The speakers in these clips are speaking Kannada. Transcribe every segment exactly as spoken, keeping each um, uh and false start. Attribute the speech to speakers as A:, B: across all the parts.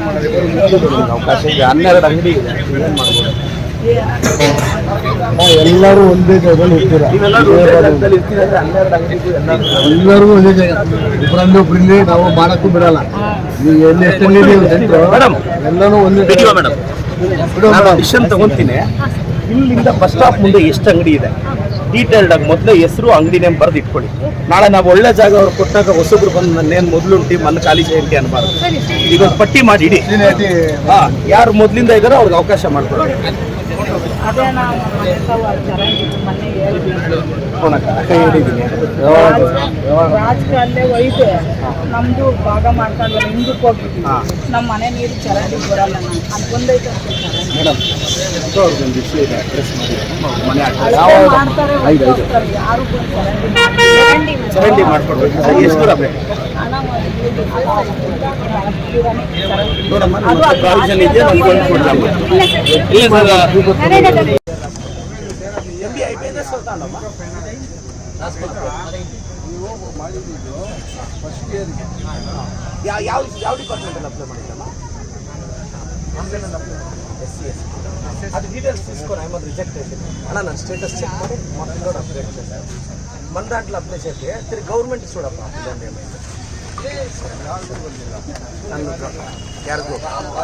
A: ಅವಕಾಶ ಇದೆ. ಹನ್ನೆರಡು ಅಂಗಡಿ ಇದೆ, ಏನು ಮಾಡ್ಬೋದು?
B: ಎಲ್ಲರೂ ಒಂದೇ ಜಾಗದಲ್ಲಿ ಇರ್ತೀರಾ? ಎಲ್ಲರಿಗೂ ಒಂದೇ ಜಾಗ, ಒಬ್ಬರಲ್ಲಿ ಒಬ್ಬರಲ್ಲಿ ನಾವು ಮಾಡಕ್ಕೂ ಬಿಡಲ್ಲ. ನೀವು ಎಲ್ಲಿ ಎಷ್ಟು
A: ಮೇಡಮ್
B: ಎಲ್ಲರೂ ಒಂದೇ
A: ಮೇಡಮ್ ಡಿಸಿಷನ್ ತಗೊಂತೀನಿ. ಇಲ್ಲಿಂದ ಬಸ್ ಸ್ಟಾಪ್ ಮುಂದೆ ಎಷ್ಟು ಅಂಗಡಿ ಇದೆ ಡೀಟೇಲ್ಡ್ ಆಗಿ ಮೊದಲೇ ಹೆಸರು ಅಂಗಡಿ ನೇಮ್ ಬರೆದು ಇಟ್ಕೊಳ್ಳಿ. ನಾಳೆ ನಾವು ಒಳ್ಳೆ ಜಾಗ ಅವ್ರು ಕೊಟ್ಟಾಗ ಹೊಸಬ್ರು ಬಂದು ನನ್ನೇನು ಮೊದಲು ಉಂಟಿ ಮನ್ನ ಖಾಲಿ ಜಯಂತಿ ಅನ್ಬಾರ್ದು. ಈಗ ಒಂದು ಪಟ್ಟಿ ಮಾಡಿ ಇಡಿ, ಹಾಂ ಯಾರು ಮೊದಲಿಂದ ಇದ್ದಾರೋ ಅವ್ರಿಗೆ ಅವಕಾಶ ಮಾಡ್ಕೊಳ್ಳಿ.
C: ರಾಜಕೀಯ ಒಯ್ದು ನಮ್ದು ಭಾಗ ಮಾಡ್ಕೊಂಡು ಹಿಂದಕ್ಕೆ ಹೋಗಿದ್ವಿ. ನಮ್ಮ ಮನೆ ನೀರು ಚರಂಡಿ ಬರಲ್ಲ. ನಾನು ಅದು ಬಂದೈತೆ
A: ಮೇಡಮ್ ಅವ್ರಿಗೊಂದು ಇಶ್ಯೂ ಇದೆ, ಅಡ್ರೆಸ್ ಮಾಡಿ ಮನೆ
C: ಮಾಡ್ತಾರೆ. ಯಾರು ಚರಂಡಿ
A: ಚರಂಡಿ ಮಾಡ್ಕೊಡ್ಬೇಕು. ಎಷ್ಟು ದೂರ ಬೇಕು ನೋಡಮ್ಮ, ಪ್ರಾವಿಷನ್ ಇದೆಯಾ ನಮ್ಗೆ ಒಂದು ಕೊಡಲಮ್ಮ. M B I P S ನೀವು ಯಾವ ಯಾವ ಯಾವ ಡಿಪಾರ್ಟ್ಮೆಂಟಲ್ಲಿ ಅಪ್ಲೈ ಮಾಡಿದ್ದಮ್ಮ? ಎಸ್ ಸಿ ಎಸ್ ಅದು ಡೀಟೇಲ್ಸ್ తీసుకొని ಐಮದ್ ರಿಜೆಕ್ಟ್ ಆಯ್ತು ಅಣ್ಣ. ನಾನು ಸ್ಟೇಟಸ್ ಚೆಕ್ ಮಾಡಿ ಮಕ್ಕಳೋಡು ಅಪ್ಡೇಟ್ చేశాను. మన దాంట్లో అప్లై చేస్తే తిరిగి గవర్నమెంట్ చూడప్ప ఇదండి ఏమైంది ಯಾರಿಗೂ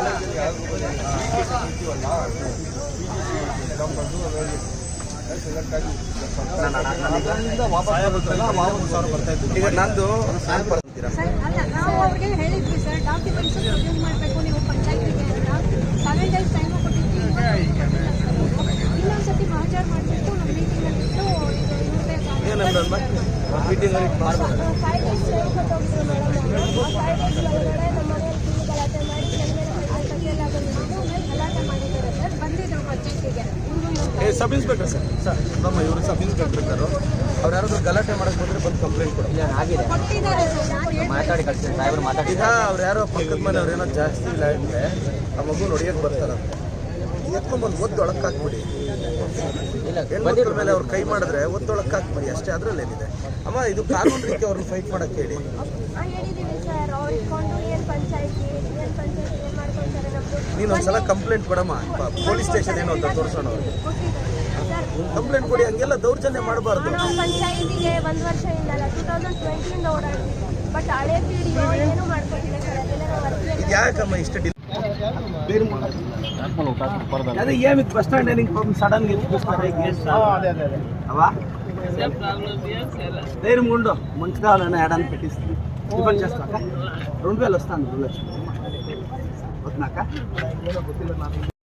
A: ಈಗ ನಂದು
D: ನಾವು ಅವ್ರಿಗೆ ಹೇಳಿದ್ವಿ ಸರ್, ಡಾಕ್ಯುಮೆಂಟ್ಸ್ ಪ್ರೊಡ್ಯೂಸ್ ಮಾಡಬೇಕು ನೀವು ಪಂಚಾಯತಿಗೆ ಅಂತ ಸೆವೆನ್ ಡೇಸ್ ಟೈಮ್ ಕೊಟ್ಟಿದ್ವಿ. ಇನ್ನೊಂದ್ಸತಿ ಹಾಜರು ಮಾಡಬೇಕು. ನಮ್ಮ ಮೀಟಿಂಗಲ್ಲಿ ಇಟ್ಟು
A: ಮೀಟಿಂಗ್
D: ಫೈವ್ ಡೇಸ್ ಟೈಮ್ ಕೊಟ್ಟೋಗಿದ್ರು ಮೇಡಮ್. ಫೈವ್ ಡೇಸ್ ಒಳಗಡೆ ನಮ್ಮ ಮನೆಯಲ್ಲಿ ಗಲಾಟೆ ಮಾಡಿ ಎಲ್ಲ ಗಲಾಟೆ ಮಾಡಿದ್ದಾರೆ ಸರ್. ಬಂದಿದ್ರು ಪಂಚಾಯತಿಗೆ.
A: ಸಬ್ ಇನ್ಸ್ಪೆಕ್ಟರ್ ಸರ್ ಸರ್ ನಮ್ಮ ಇವರು ಸಬ್ ಇನ್ಸ್ಪೆಕ್ಟರ್ ಇದ್ದರು. ಅವ್ರು ಯಾರಾದ್ರೂ ಗಲಾಟೆ ಮಾಡಕ್ಕೆ ಬಂದರೆ ಬಂದು ಕಂಪ್ಲೇಂಟ್ ಕೊಡಿ. ಆಗಿದೆ ಮಾತಾಡಿ ಕಳಿಸ್ತೀನಿ ಡ್ರೈವರ್ ಮಾತಾಡಿ. ಈಗ ಅವ್ರು ಯಾರೋ ಪಕ್ಕದ ಮನೆ ಅವ್ರು ಏನೋ ಜಾಸ್ತಿ ಇಲ್ಲ ಅಂದರೆ ಆ ಮಗು ನೋಡಿಯಕ್ಕೆ ಬರ್ತಾರಂತೆ. ಎತ್ಕೊಂಡ್ಬಂದು ಒದ್ದೊಳಕ್ಕೆ ಹಾಕ್ಬಿಡಿ. ಹೆಣ್ಮಕ್ಳ ಮೇಲೆ ಅವ್ರು ಕೈ ಮಾಡಿದ್ರೆ ಒದ್ದೊಳಕ್ಕೆ ಹಾಕ್ಬಿಡಿ ಅಷ್ಟೇ. ಅದರಲ್ಲೇನಿದೆ ಅಮ್ಮ, ಇದು ಕಾನೂನು ರೀತಿ ಅವ್ರನ್ನ ಫೈಟ್ ಮಾಡಕ್ಕೆ ಹೇಳಿ. ನೀನು ಒಂದ್ಸಲ ಕಂಪ್ಲೇಂಟ್ ಕೊಡಮ್ಮ ಪೊಲೀಸ್ ಸ್ಟೇಷನ್ ಏನೋ ಅಂತ ತೋರಿಸೋಣ. ಅವ್ರಿಗೆ ಕಂಪ್ಲೇಂಟ್ ಕೊಡಿ. ಹಂಗೆಲ್ಲ ದೌರ್ಜನ್ಯ ಮಾಡಬಾರ್ದು.
D: ಪಂಚಾಯತಿಗೆ ಒಂದು ವರ್ಷ ಇಂದಲ್ಲ ಟೂ ತೌಸಂಡ್ ಟ್ವೆಂಟಿಯಿಂದ ಓಡಾಡ್ತೀವಿ. ಬಟ್ ಹಳೆ ಪೀಳಿ ಏನು ಮಾಡ್ಕೊಟ್ಟಿಲ್ಲ ಸರ್. ಅದೆಲ್ಲ
A: ಇದು ಯಾಕಮ್ಮ ಇಷ್ಟು ಡಿಲ್ అదే ఏమి బస్ స్టాండ్ సడన్ గా అవా ధైర్యం ఉండు. మంచి కావాలని ఏడాన్ని పెట్టిస్తుంది. ఇబ్బంది చేస్తాక రెండు వేలు వస్తాను. రెండు లక్షలు వద్దునాక